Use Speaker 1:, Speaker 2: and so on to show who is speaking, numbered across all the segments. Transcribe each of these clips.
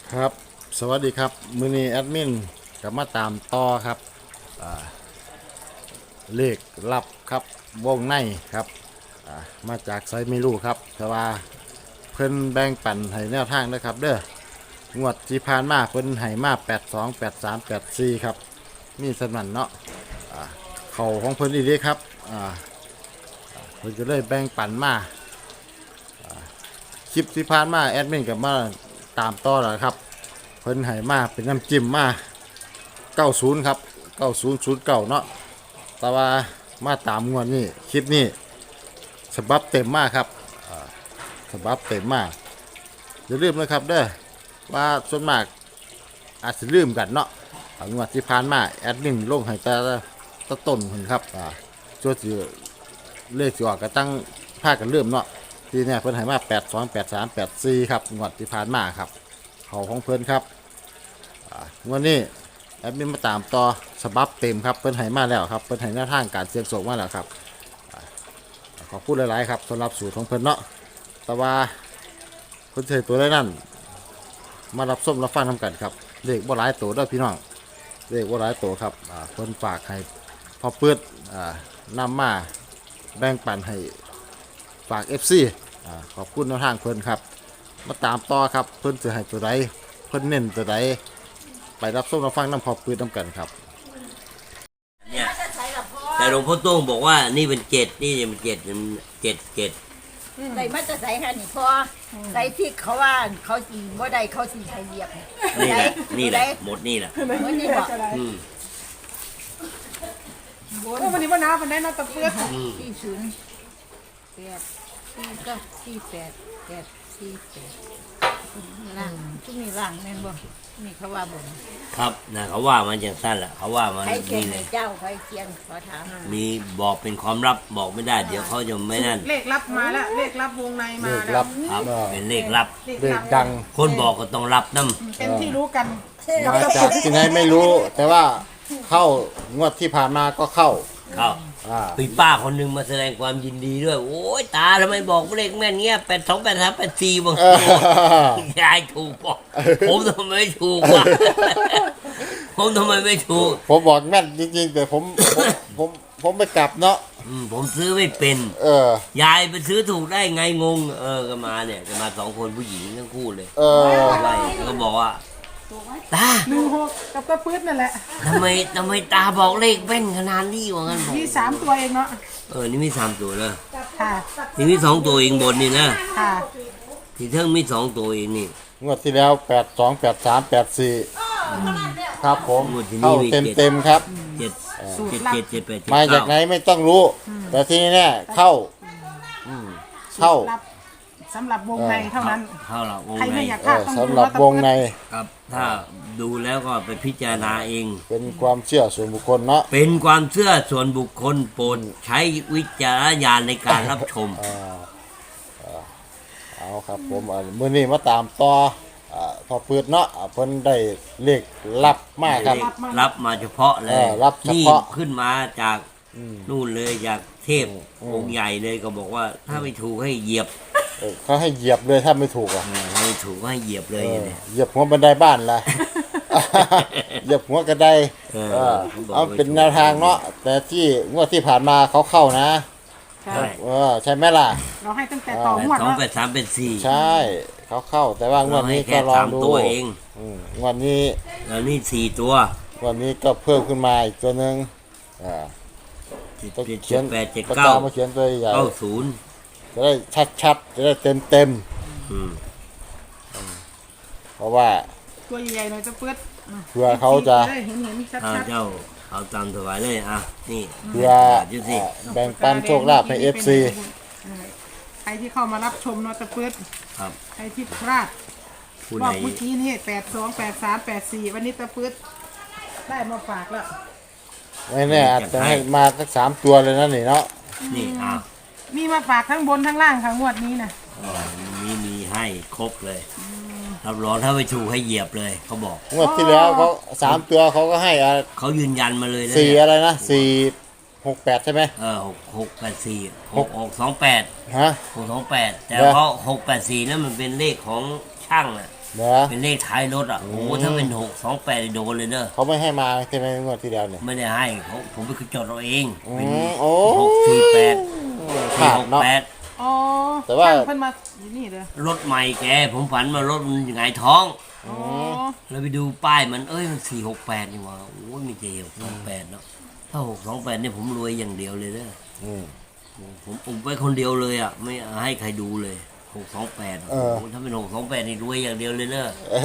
Speaker 1: ครับสวัสดีครับมือนี้แอดมินกลับมาตามต่อครับเลขลับครับวงในครับมาจากไซไม่รู้ครับแต่ว่าเพิ่นแบ่งปันให้แนวทางนะครับเด้องวดที่ผ่านมาเพิ่นให้มา82 83 84ครับมีสนั่นเนาะเข่าของเพิ่นอีกเด้ครับเพิ่นก็เลยแบ่งปันมาคลิปที่ผ่านมาแอดมินกับมาตามต่อแล้วครับเพิ่นให้มาเป็นน้ำจิ้มมา90ครับ9009เนาะแต่ว่ามาตามงวดนี้คลิปนี้ฉบับเต็มมากครับฉบับเต็มมากอย่าลืมนะครับเด้อว่าส่วนมากอาจจะลืมกันเนาะงวดที่ผ่านมาแอดมินลงให้แต่ต้นคนครับช่วยสิเลขสิออกก็ตั้งภาคกันเริ่มเนาะทีนี้เพิ่นให้มา82 83 84ครับงวดที่ผ่านมาครับเขาของเพิ่นครับงวดนี้แอดมินมาตามต่อฉบับเต็มครับเพิ่นให้มาแล้วครับเพิ่นให้แนวทางการเสี่ยงโชคมาแล้วครับขอพูดหลายๆครับสำหรับสูตรของเพิ่นเนาะแต่ว่าเพิ่นเทตัวได้นั่นมารับส้มรับฟังทำกันครับเลขบ่หลายตัวเด้อพี่น้องเลขบ่หลายตัวครับเพิ่นฝากให้พอเปิดนำมาแบ่งปันให้ฝาก FC ขอบคุณแนวทางเพิ่นครับมาตามต่อครับเพิ่นจะให้ตัวใดเพิ่นเน้นตัวใดไปรับส้มรับฟังน้ำพอปืนน้ำกันครับ
Speaker 2: เนี่ยแต่หลวงพ่อโต้งบอกว่านี่เป็นเจ็ดนี่เป็นเจ็ดเจ็ด
Speaker 3: ใส่มาจะใส่ค่ะนี่พอใส่ที่เขาว่าเขาสีบ่ได้เขาสีไทยเหยียบ
Speaker 2: นี่แหละหมดนี่แหละ
Speaker 3: เหมือนนี่บอก
Speaker 4: วันนี้ว่าน้ามันได้น่าตะเพื่อ
Speaker 3: 40 8 4ก็48 8 48ล่างทุกนี่ล่างแม่นบ่นี่เขาว่าบ่
Speaker 2: ครับนะเขาว่ามันอย่างสั้นแหละเขาว่ามัน
Speaker 3: ใครเขีย
Speaker 2: นี่
Speaker 3: น
Speaker 2: เลย
Speaker 3: เจ้าใครเขียนขอถาม
Speaker 2: มีบอกเป็นความลับบอกไม่ได้เดี๋ยวเขาจะไม่นั่น
Speaker 4: เลขลับมาแล้วเลขลับวงในมา
Speaker 1: เลข
Speaker 4: แล้
Speaker 1: ลั
Speaker 4: ว
Speaker 1: บ
Speaker 2: ครับเป็นเลขลับ
Speaker 1: เลขดัง
Speaker 2: คนบอกก็ต้องรับน้
Speaker 4: เป็นที่รู้กัน
Speaker 1: มาจากที่ไหนไม่รู้แต่ว่าเข้างวดที่ผ่านมาก็เข้า
Speaker 2: ำเขาปีป้าคนหนึงมาแสดงความยินดีด้วยโอ้ยตาทำไมบอกเลขแม่นเงี้ย82 83 84บางยายถูกบอกผมทำไมไม่ถูกวะผมทำไมไม่ถูก
Speaker 1: ผมบอกแม่นจริงๆแต่ผมไม่กลับเนาะ
Speaker 2: ผมซื้อไม่เป็นยายไปซื้อถูกได้ไงงงก็มาเนี่ยก็มา2 คนผู้หญิงทั้งคู่เลยไล่แล้วก็บอกว่าตา
Speaker 4: 16กับตะเพื่อนั่นแหละ
Speaker 2: ทำไมตาบอกเลขแม่นขนาดนี้วะงั้นผม
Speaker 4: มี3ตัวเองเนาะ
Speaker 2: นี่มี3 ตัวเลย
Speaker 4: ค่ะ
Speaker 2: นี่มี2 ตัวเองบนนี่นะ
Speaker 4: ค่ะ
Speaker 2: ที่เทิงมี2 ตัวเองนี่
Speaker 1: งวดที่แล้ว82 83 84ครับผมเข้าเต็มครับ
Speaker 2: 7
Speaker 1: มาจากไหนไม่ต้องรู้แต่ที่นี่เนี่ยเข้า
Speaker 4: สำหรับวงในเท่านั้น
Speaker 2: เข้าละวง
Speaker 4: ใคร
Speaker 2: ใน
Speaker 4: ไม่อยากพลาดต้อง
Speaker 1: สำหรับวงใน
Speaker 2: ครับถ้าดูแล้วก็ไปพิจารณาเอง
Speaker 1: เป็นความเชื่อส่วนบุคคลเนาะ
Speaker 2: เป็นความเชื่อส่วนบุคคลโปรดใช้วิจารณญาณในการรับชม
Speaker 1: เอาครับผมมื้อนี้มาตามต่อพอเปิดเนาะเพิ่นได้เลขลับมากครับ
Speaker 2: รับมาเฉพาะเลย
Speaker 1: รับเฉพาะ
Speaker 2: ขึ้นมาจากนู่นเลยจากเทพองค์ใหญ่เลยก็บอกว่าถ้าไม่ถูกให้เหยียบ
Speaker 1: เขาให้เหยียบเลยถ้าไม่ถูก
Speaker 2: ไม่ถูกให้เหยียบเลย
Speaker 1: เหยียบหัวบันไดบ้านล่ะเหยียบหัวกระไดเอาเป็นแนวทางเนาะแต่ที่งวดที่ผ่านมาเขาเข้านะใช่ไหมล่ะ
Speaker 4: เราให้ตั้งแต่ต่องวด
Speaker 2: 2 83 84
Speaker 1: ใช่เขาเข้าแต่ว่างวดนี้ก็ลองดู
Speaker 2: ตัวเอง
Speaker 1: งวดนี้
Speaker 2: แล้วนี่4 ตัว
Speaker 1: วันนี้ก็เพิ่มขึ้นมาอีกตัวนึง
Speaker 2: ต้องเขียน
Speaker 1: 8 79มาเขียนตัวใหญ่
Speaker 2: 90
Speaker 1: จะได้ชัดๆจะได้เต็มเพราะว่า
Speaker 4: ตัวใหญ่ๆหน่อยตะเพื่อ
Speaker 1: เพื่อเขาจะ
Speaker 4: เห็นชัด
Speaker 2: ๆเจ้าเอาตามถวายเลยนี่
Speaker 1: เพื่อแบ่งปันโชคลาภให้ FC
Speaker 4: ใครที่เข้ามารับชมเนาะตะเพื่อใครที่พลาดบอกเมื่อกี้นี่82 83 84วันนี้ตะเพื่อได้มาฝากแล้ว
Speaker 1: ไม่แน่อาจจะให้มาสัก3 ตัวเลยนะนี่เนาะ
Speaker 2: นี่
Speaker 4: มีมาฝากทั้งบนทั้งล่างค่ะงวดนี้นะ
Speaker 2: มีให้ครบเลยรับรองถ้าไม่ถูกให้เหยียบเลยเขาบอก
Speaker 1: งวดที่แล้วเขา3 ตัวเขาก็ให้
Speaker 2: เขายืนยันมาเลย
Speaker 1: 4อะไรนะ468ใช่ไหม
Speaker 2: 684 6628
Speaker 1: ฮะ
Speaker 2: 628แต่เพราะ684นั้นมันเป็นเลขของช่าง
Speaker 1: เนาะ
Speaker 2: เป็นเลขท้ายรถอ่ะโอ้โหถ้าเป็น628โดนเลยเด้อ
Speaker 1: เขาไม่ให้มาใช่ไหมงวดที่แล้วเนี่ย
Speaker 2: ไม่ได้ให้เขาผมไปจดเอาเองเป็น
Speaker 1: โอ้
Speaker 2: 648
Speaker 1: ขาดเนาะ
Speaker 2: 468
Speaker 4: อ๋อ
Speaker 1: แต่ว่า
Speaker 4: เพิ่นมาอยู่นี่เด้อ
Speaker 2: รถใหม่แกผมฝันว่ารถมันหงายท้อง
Speaker 4: อ๋อ
Speaker 2: แล้วไปดูป้ายมันมัน468นี่หว่าโอ้ยไม่เจ628เนาะถ้า628เนี่ยผมรวยอย่างเดียวเลยเด้อ
Speaker 1: อืม
Speaker 2: ผมอุบไว้คนเดียวเลยอ่ะไม่ให้ใครดูเลย628โอ้โหถ้าเป็น628นี่รวยอย่างเดียวเลยเด้อ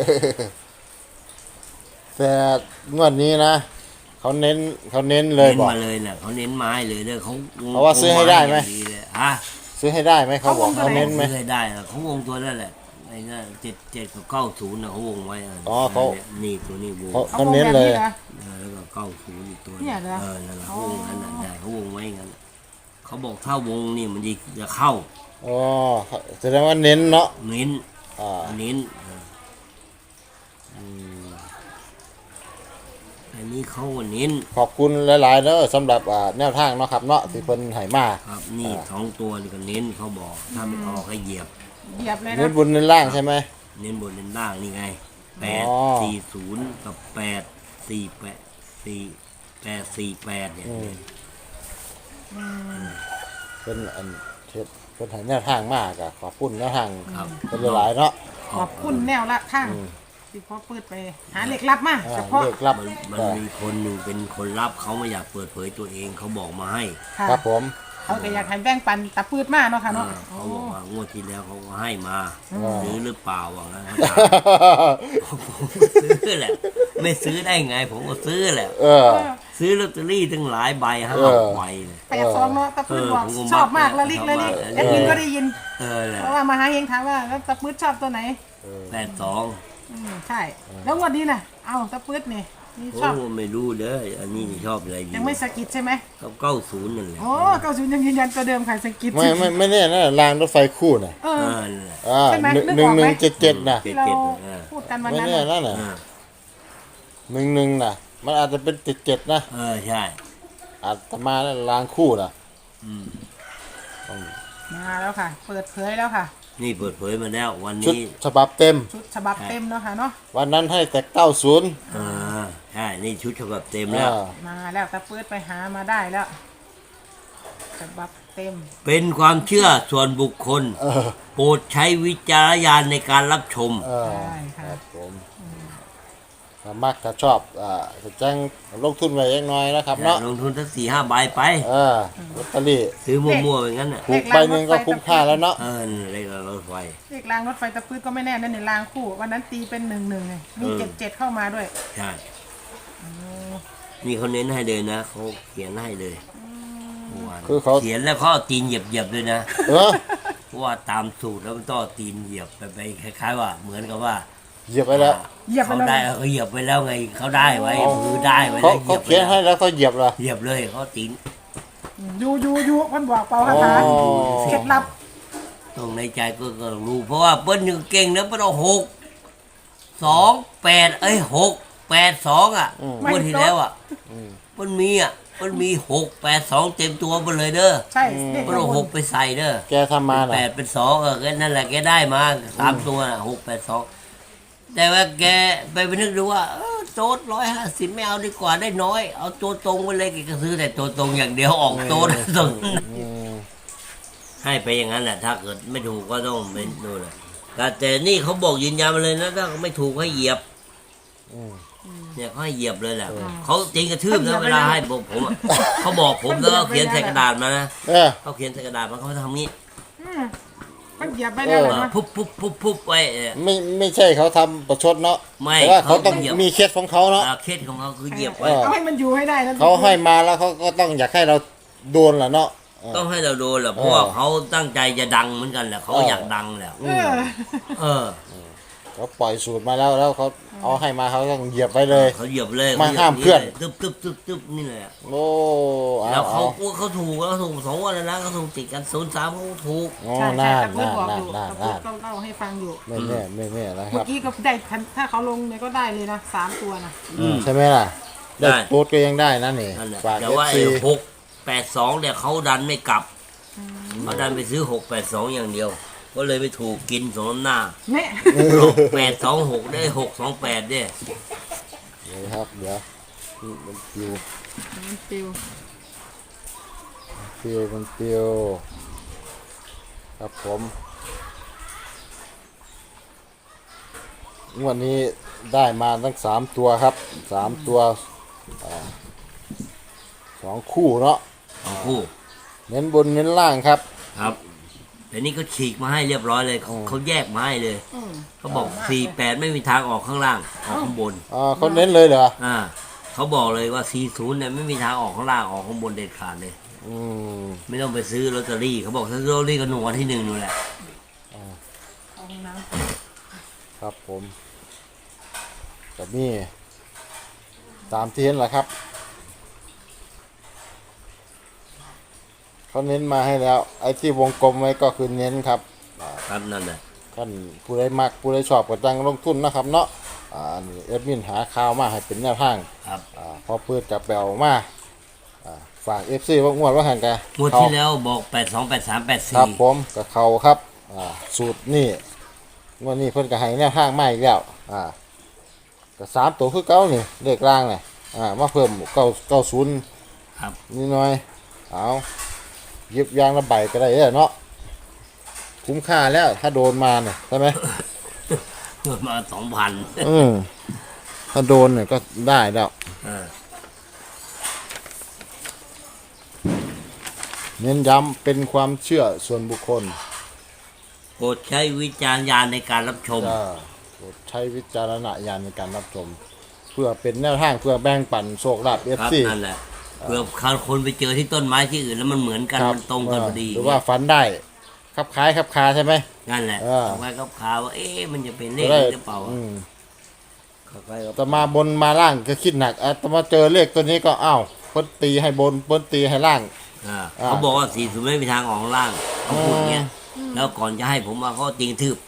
Speaker 1: แต่งวดนี้นะเขาเน้นเลย
Speaker 2: เน้น
Speaker 1: บอก
Speaker 2: มาเลยน่ะเขาเน้นไม้เลยเด้อเขา
Speaker 1: เพราะว่าซื้อให้ได้ไหม
Speaker 2: อย่างเลยฮะ
Speaker 1: ซื้อให้ได้ไหมเขาบอกเขาเน้นไหม
Speaker 2: ซื้อให้ได้อะเขาวงตัวนั่นแหละไอ้นั่น77กับ90นะเขาวงไว้ะ
Speaker 1: อ๋อเขา
Speaker 2: นี่ตัวนี้วง
Speaker 1: เขาเน้นเลย
Speaker 4: อาแบบ
Speaker 2: แล้วก็90อีกตัว
Speaker 4: เนี่ยเหรอ
Speaker 2: นั่นแหละเขาวงกันนั่นได้เขาวงไว้งั้นเขาบอกถ้าวงนี่มันจะเข้า
Speaker 1: อ๋อแสดงว่าเน้นเนาะ
Speaker 2: เน้น
Speaker 1: อ่า
Speaker 2: เน้นอันนี้เขาก็เน้น
Speaker 1: ขอบคุณหลายๆเด้อสำหรับแนวทางเนาะครับเนาะที่เพิ่นให้มา
Speaker 2: ครับนี่2ตัวนี่ก็เน้นเขาบอกถ้าไม่ออกให้เหยียบ
Speaker 4: เหยียบเลย
Speaker 1: เน้
Speaker 4: นะ
Speaker 1: นบนเน้นล่างใช่ไหม
Speaker 2: เน้นบนเน้นล่างนี่ไง
Speaker 1: อ๋อ
Speaker 2: 840กับ848เนี่ย
Speaker 1: เป็นอันเฮ็ดเป็นให้แนวทางมากอะขอบคุณแนวทาง
Speaker 2: ครับ
Speaker 1: เป็นหลายๆเนาะ
Speaker 4: ขอบคุณแนวละทางที่พ่อเปิดไปหาเหล็กลับมาเฉพาะ
Speaker 1: เลขรับ
Speaker 2: มันมีคนหนึ่งเป็นคนรับเขาไม่อยากเปิดเผยตัวเองเขาบอกมาให้
Speaker 4: ค่ะ
Speaker 1: ครับผม
Speaker 4: เขาก็อยากให้แบ่งปันตะปืดมาเนาะค่ะเนาะ
Speaker 2: เขาบอกว่างวดที่แล้วเขาก็ให้มาซื้อหรือเปล่าว่างั้นเขาถามผมก็ซื้อแหละ ไม่ซื้อได้ไง ผมก็ซื้อแหละ
Speaker 1: เออ
Speaker 2: ซื้อลอตเตอรี่ตั้งหลายใบห้า
Speaker 1: เออ
Speaker 2: ใบเลย
Speaker 4: 82เนาะตะปืดบอก
Speaker 2: ผมก็
Speaker 4: ชอบมาก
Speaker 2: มั
Speaker 4: ละ
Speaker 2: ก
Speaker 4: ลิก
Speaker 2: ช
Speaker 4: ละ
Speaker 2: อบ
Speaker 4: ลิ
Speaker 2: มาก
Speaker 4: กแอดมินก็ได้ยิน
Speaker 2: แหละ
Speaker 4: เพราะว่ามาหาเองถามว่าแล้วตะปืดชอบตัวไหน
Speaker 2: 82
Speaker 4: ใช่ แล้วงวันนี้น่ะ เอาตะปืดนี่นี่
Speaker 2: โอ้
Speaker 4: ชอบ
Speaker 2: ไม่รู้เด้ออันนี้ชอบอะไรดี
Speaker 4: ยังไม่สะกิดใช่ไหม
Speaker 2: กับ90นั่นแหละ
Speaker 4: โอ้90ยังยืนยันตัวเดิมค่ะสะกิด
Speaker 1: ไม่แน่นะรางรถไฟคู่น่ะ
Speaker 4: เอ
Speaker 2: เอ
Speaker 4: อ
Speaker 2: อนั่นแหละ
Speaker 4: ใช่ไหมนึก
Speaker 1: หนึ่
Speaker 4: อง อก
Speaker 1: ห
Speaker 4: ไหม
Speaker 1: นึ่งเจ็ดเจ็ดน่ะ
Speaker 4: ที่เรา
Speaker 2: เออ
Speaker 4: พูดกันวัน
Speaker 1: ไม่
Speaker 4: นั้น
Speaker 1: แน่
Speaker 4: น่ะ
Speaker 1: นั่นน่ะ
Speaker 2: เออ
Speaker 1: หนึ่งน่ะ มันอาจจะเป็นเจ็ดนะ
Speaker 2: ใช่
Speaker 1: อาตมาแล้วรางคู่น่ะ
Speaker 2: อืม
Speaker 4: มาแล้วค่ะ เปิดเผยแล้วค่ะ
Speaker 2: นี่เปิดเผยมาแล้ววัน
Speaker 1: ชุด
Speaker 2: นี้
Speaker 1: ฉบับเต็ม
Speaker 4: ชุดฉบับเต็มเนาะค่ะเนาะ
Speaker 1: วันนั้นให้แต่90
Speaker 2: ใช่นี่ชุดฉบับเต็มแล้ว
Speaker 4: มาแล้วตะปืดไปหามาได้แล้วฉบับเต็ม
Speaker 2: เป็นความเชื่อส่วนบุคคล
Speaker 1: เออ
Speaker 2: โปรดใช้วิจารณญาณในการรับชม
Speaker 1: เออ
Speaker 4: ใช่ค่ะ
Speaker 1: ครับผมถ้ามักถ้าชอบจะแจ้งลงทุนไว้เล็กน้อยนะครับเนาะ
Speaker 2: ลงทุนสัก4-5 ใบไป
Speaker 1: ลอตเตอรี่
Speaker 2: ซื้อมั่วๆอย่างนั้นน่ะ
Speaker 1: ถูกใบหนึ่งก็คุ้มค่าแล้วเนาะ
Speaker 2: เลขรถไฟ
Speaker 4: เลขรางรถไฟตะปืดก็ไม่แน่นั่นในรางคู่ วันนั้นตีเป็น1-1ไงมี77เข้ามาด้วย
Speaker 2: ใช่ นี่เขาเน้นให้เลยนะเขาเขียนให้เลยเมื่อวาน
Speaker 1: คือเขา
Speaker 2: เขียนแล้วเขาเอาตีนเหยียบๆด้วยนะ
Speaker 1: เออ
Speaker 2: เพราะว่าตามสูตรแล้วมันต้องเอาตีนเหยียบไปคล้ายๆว่า เหมือนกับว่า
Speaker 1: เหยียบไปแล้ว
Speaker 4: เหยียบไป
Speaker 2: เขา
Speaker 4: แล้ว
Speaker 2: ได้เขาเหยียบไปแล้วไงเขาได้ไว้มือได้ไว้
Speaker 1: เขา
Speaker 2: แล้วเหยี
Speaker 1: เขา
Speaker 2: ยบไป
Speaker 1: เขียนให้แล้วเขาเหยียบเหรอ
Speaker 2: เหยียบเลยเขาตีน
Speaker 4: ยูมันบอกเปล่าคาถา
Speaker 1: อ๋อ
Speaker 4: เคล็ดลับ
Speaker 2: ตรงในใจก็รู้เพราะว่าเปิ้ลยังเก่งนะเปิ้ลเอา6-2-86-8-2อ่ะงวดที่แล้วอ่ะเปิ้ลมี6-8-2เต็มตัวไปเลยเด้อ
Speaker 4: ใช่เลข
Speaker 2: เปิ้ลเอา6ไปใส่เด้อ
Speaker 1: แกทำมาน่ะ
Speaker 2: 8เป็น2แกนั่นแหละแกได้มา3ตัวน่ะ6-8-2แต่ว่าแกไปนึกดูว่าโจทย์150ไม่เอาดีกว่าได้น้อย เอาตัวตรงไปเลยแกก็ซื้อแต่ตัวตรงอย่างเดียวออกโจทย์ตรง
Speaker 1: อืม
Speaker 2: ให้ไปอย่างนั้นแหละถ้าเกิดไม่ถูกก็ต้องเป็นนู่นแหละแต่นี่เขาบอกยืนยันมาเลยนะถ้าไม่ถูกให้เหยียบ
Speaker 1: อืม
Speaker 2: เนี่ยเขาให้เหยียบเลยแหละเขาจริงกระทืบนะเวลาให้ผมอะเขาบอกผมแล้วก็เขียนใส่กระดาษมานะ
Speaker 1: เออ
Speaker 2: เขาเขียนใส่กระดาษมาเขาทำงี้
Speaker 4: มันเหยียบไปแล้วเลยนะ
Speaker 2: พุบไว้
Speaker 1: ไม่ใช่เขาทำประชดเนาะ
Speaker 2: ไม่
Speaker 1: แต่ว่าเขาต้อง
Speaker 2: เขาเหยียบ
Speaker 1: มีเคสของเขาเนาะ
Speaker 2: เคสของเขาคือเหยียบไว้
Speaker 4: เอาให้มันอยู่ให้ได้นะ
Speaker 1: เขาให้มาแล้วเขาก็ต้องอยากให้เราโดนแหละเนาะ
Speaker 2: ต้องให้เราโดนแหละเพราะว่าเขาตั้งใจจะดังเหมือนกันแหละเขาอยากดังแหละ
Speaker 4: เออ
Speaker 2: เออ
Speaker 1: เขาปล่อยสูตรมาแล้วเขาเอาให้มาเขาต้องเหยียบไปเลย
Speaker 2: เขาเหยียบเลย
Speaker 1: มาห้ามเพื่อน
Speaker 2: ตึบนี่เลยอะ
Speaker 1: โอ้เอา
Speaker 2: แล้วเขา
Speaker 1: เอา
Speaker 2: เขาถูกแล้วถูก2 วันแล้วนะเขาถูกติดกัน0-3เขาถูก
Speaker 1: โอ้
Speaker 4: ใช่
Speaker 1: น่า
Speaker 4: ตะปืด
Speaker 1: น่า
Speaker 4: บอก
Speaker 1: น่า
Speaker 4: อยู่
Speaker 1: น่า
Speaker 4: ตะปื
Speaker 1: น่า
Speaker 4: ดก็เล่าให้ฟังอยู่
Speaker 1: ไม่แน่นะค
Speaker 4: เมื่
Speaker 1: รั
Speaker 4: อบ กี้ก็ได้ถ้าเขาลงเนี่ยก็ได้เลยนะ3 ตัวนะ
Speaker 1: ใช่ไหมล่ะ
Speaker 2: ได้
Speaker 1: ได้โค้ดก็ยังได้นะนี่
Speaker 2: นั่นแหละ
Speaker 1: ฝาก
Speaker 2: แต่
Speaker 1: เอ
Speaker 2: ว่า
Speaker 1: ฟซี
Speaker 2: 6-8-2เนี่ยเขาดันไม่กลับเขาดันไปซื้อ6-8-2อย่างเดียวก็เลยไปถูกกินสมน้ำหน้า
Speaker 4: แม่
Speaker 2: หลอก826ได้628เนี่ย
Speaker 1: เดี๋ยวครับเดี๋ยวนี่มันปิว
Speaker 3: มันปิว
Speaker 1: มันปิวครับผมงวันนี้ได้มาทั้ง3ตัวครับ3ตัว2คู่เนาะ
Speaker 2: ของคู่
Speaker 1: เน้นบนเน้นล่างครับ
Speaker 2: ครับแต่นี่เขาฉีกมาให้เรียบร้อยเลยเขาแยกมาให้เลยเขาบอก48ไม่มีทางออกข้างล่างออกข้างบน
Speaker 1: เขาเน้นเลยเหรอ
Speaker 2: เขาบอกเลยว่า40เนี่ยไม่มีทางออกข้างล่างออกข้างบนเด็ดขาดเลย
Speaker 1: อืม
Speaker 2: ไม่ต้องไปซื้อลอตเตอรี่เขาบอกซื้อลอตเตอรี่ก็หน่วยที่1นู่นแหละ
Speaker 3: เอาน้
Speaker 1: ครับผมกับนี่ตามที่เห็นแหละครับเขาเน้นมาให้แล้ว ไอ้ที่วงกลมไว้ก็คือเน้นครับ
Speaker 2: ครับนั่นแหละ
Speaker 1: ท่านผู้ใดมักผู้ใดชอบก็จังลงทุนนะครับเนาะนี่เอดมินหาข่าวมาให้เป็นแนวทาง
Speaker 2: ครับ
Speaker 1: พอเปิดจับแปลมาฝาก FC ว่างวดว่าหันกัน
Speaker 2: งวดที่แล้วบอก828384
Speaker 1: ครับผมกับเขาครับสูตรนี่งวดนี้เพิ่นก็ให้แนวทางมาอีกแล้วก็3ตัวคือเก่านี่เลขล่างนี่มาเพิ่ม90
Speaker 2: ครับ
Speaker 1: นิดหน่อยเอาหยิบยางละใบก็ได้เนาะคุ้มค่าแล้วถ้าโดนมาเนี่ยใช่ไหม
Speaker 2: มา2,000
Speaker 1: ถ้าโดนเนี่ยก็ได้แล้ว เน้นย้ำเป็นความเชื่อส่วนบุคคล
Speaker 2: โปรดใช้วิจารณญาณในการรับชม
Speaker 1: โปรดใช้วิจารณญาณในการรับชม เพื่อเป็นแนวทางเพื่อแบ่งปันโชคลาภ
Speaker 2: ครับ
Speaker 1: FC
Speaker 2: นั่นแหละเพื่อคนไปเจอที่ต้นไม้ที่อื่นแล้วมันเหมือนกัน
Speaker 1: ครับ
Speaker 2: มันตรงกันพอดี
Speaker 1: หรือว่าฝันได้ครับคล้ายครับคาใช่ไหม
Speaker 2: นั่นแหละ
Speaker 1: เออ
Speaker 2: เอาไว้กับข่าวว่ามันจะเป็นเลข
Speaker 1: ได้
Speaker 2: หรือเปล่า เขาไปกับ
Speaker 1: แต่มาบนมาล่างก็คิดหนักแต่มาเจอเลขตัวนี้ก็อ้าวเพิ่นตีให้บนเพิ่นตีให้ล่าง
Speaker 2: เขาบอกว่า40ไม่มีทางออกข้างล่างเขาพูดอย่างเงี้ยแล้วก่อนจะให้ผมมาเขาจริงทืบ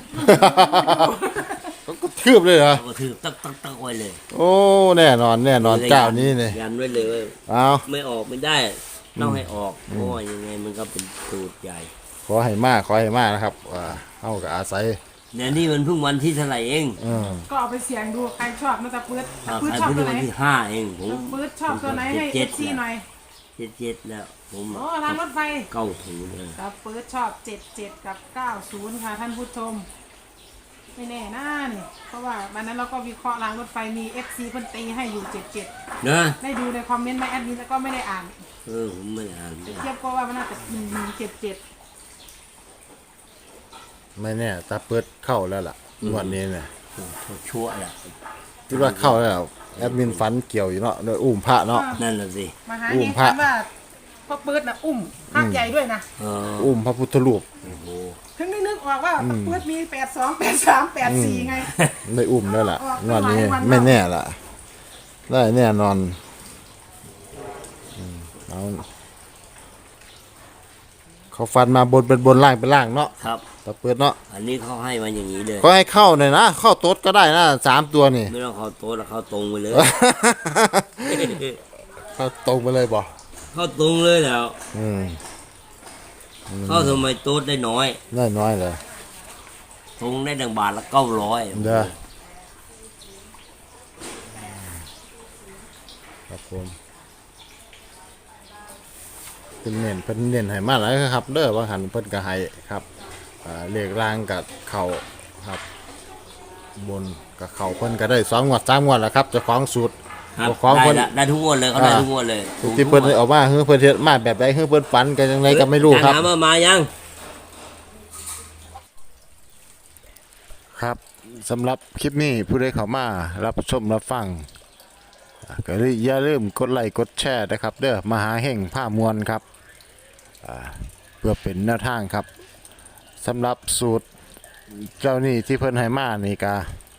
Speaker 1: เขาก็ทืบเลยเหรอ
Speaker 2: เขาก็ทืบตักไว้เลย
Speaker 1: โอ้แน่นอนเจ้านี้เนี่ย
Speaker 2: ยันไว้เลยว่า
Speaker 1: เอา
Speaker 2: ไม่ออกไม่ได้ต้องให้ออกเพราะว่ายังไงมันก็เป็นสูตรใหญ่
Speaker 1: ขอให้มากนะครับเอากับอาศัย
Speaker 2: เนี่ยนี่มันเพิ่งวันที่เท่าไหร่เอง
Speaker 4: ก็เอาไปเสี่ยงดูใครชอบนะตะปื๊ด
Speaker 2: ใคร
Speaker 4: ชอบ
Speaker 2: เพิ่ง
Speaker 4: ตัวไหน
Speaker 2: วันที่5เองผม
Speaker 4: ตะปื๊ดชอบตัวไหนให้
Speaker 2: เจ็ด
Speaker 4: FC หน่อย
Speaker 2: 7แล้วผม
Speaker 4: โอ้รางรถไฟ
Speaker 2: 90เลย
Speaker 4: ตะปื๊ดชอบ77กับ90ค่ะท่านผู้ชมไม่แน่นะนี่เพราะว่าวันนั้นเราก็วิเคราะห์รางรถไฟมี FC เพิ่นตีให้อยู่77
Speaker 2: นะ
Speaker 4: ได้ดูในคอมเมนต์ไหมแอดมินแล้วก็ไม่ได้อ่าน
Speaker 2: ผมไม่อ่าน
Speaker 4: เทียบก็ว่ามันน่าจะ1177
Speaker 1: ไม่แน่ตาเปิดเข้าแล้วล่ะวันนี้เนี่ย
Speaker 2: ชั่วแหละ
Speaker 1: คิดว่าเข้าแล้วแอดมินฝันเกี่ยวอยู่เนาะโดยอุ้มพระเนาะ
Speaker 2: นั่นน่ะสิ
Speaker 4: มาหา
Speaker 1: อุ้
Speaker 4: เอ
Speaker 1: ม
Speaker 4: ง
Speaker 1: พระ
Speaker 4: คันว่าพ่อปื๊ดนะอุ้มพระใหญ่ด้วยนะ
Speaker 1: อุ้มพระพุทธรูป
Speaker 2: โอ้โห
Speaker 4: ถึงนึกออกว่าพ่อปื๊ดมี82 83 84ไง
Speaker 1: ได้อุ้มแล้วล่ะ
Speaker 4: ออก
Speaker 1: วันนี้
Speaker 4: หลายวัน
Speaker 1: ไม่แน่ล่ะ ได้แน่นอนเอาเขาฟันมาบนเป็นบนล่างเป็นล่างเนาะ
Speaker 2: ครับ
Speaker 1: ตาเปิดเนาะ
Speaker 2: อันนี้เขาให้มาอย่างนี้เลย
Speaker 1: ก็ให้เข้าหน่อยนะเข้าโต๊ดก็ได้นะ3ตัวนี่
Speaker 2: ไม่ต้องเข้าโต๊ะแล้วเข้าตรงไปเลย
Speaker 1: เข้าตรงไปเลยบ่
Speaker 2: เข้าตรงเลยแล้ว
Speaker 1: อืม
Speaker 2: เข้าทำไมโต๊ะได้น้อย
Speaker 1: ได้น้อยเลย
Speaker 2: ตรงได้1 บาทละ900
Speaker 1: เด้อครับผมเป็นเน้นให้มาแล้วครับ เด้อว่าหันเพิ่นก็ให้ครับเลขล่างกับเข่าครับ บนกับเข่าเพิ่นก็ได้2 งวด 3 งวดแล้วครับเจ้าของสูตร
Speaker 2: ครับ
Speaker 1: เจ้าของ
Speaker 2: ได้
Speaker 1: เพิ่น
Speaker 2: ละได้ทุกงวดเลยเขาได้ทุกงวดเลย
Speaker 1: ที่เพิ่นเอามาเพิ่นเฮ็ดมาแบบใดเพิ่นฝันกันจังไดก็ไม่รู้ครับ
Speaker 2: ถามว่ามายัง
Speaker 1: ครับสำหรับคลิปนี้ผู้ใดเข้ามารับชมรับฟังก็อย่าลืมกดไลค์กดแชร์นะครับเด้อมหาเฮ่งผ้ามวลครับเพื่อเป็นแนวทางครับสำหรับสูตรเจ้านี่ที่เพิ่นให้มานี่กา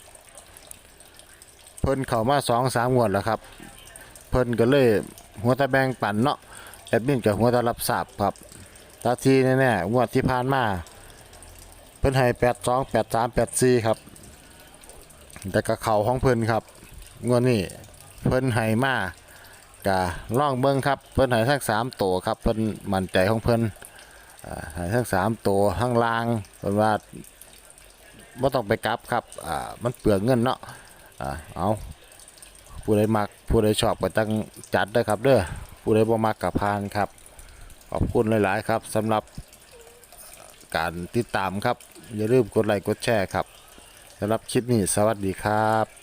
Speaker 1: เพิ่นเข้ามา2-3 งวดแล้วครับเพิ่นก็เลยหัวตะแบงปันเนาะแอดมินกับหัวตะรับทราบครับตาทีแน่ๆงวดที่ผ่านมาเพิ่นให้82 83 84ครับแต่ก็เข้าของเพิ่นครับงวดนี้เพิ่นให้มากะล่องเบิ่งครับเพิ่นให้ทั้ง3ตัวครับเพิ่นมั่นใจของเพิ่นให้ทั้ง3ตัวทั้งล่างเพิ่นว่าบ่ต้องไปกลับครับมันเปลืองเงินเนาะเอาผู้ใดมักผู้ใดชอบก็ตั้งจัดเด้อครับเด้อผู้ใดบ่มักก็ผ่านครับขอบคุณหลายๆครับสำหรับการติดตามครับอย่าลืมกดไลค์กดแชร์ครับสำหรับคลิปนี้สวัสดีครับ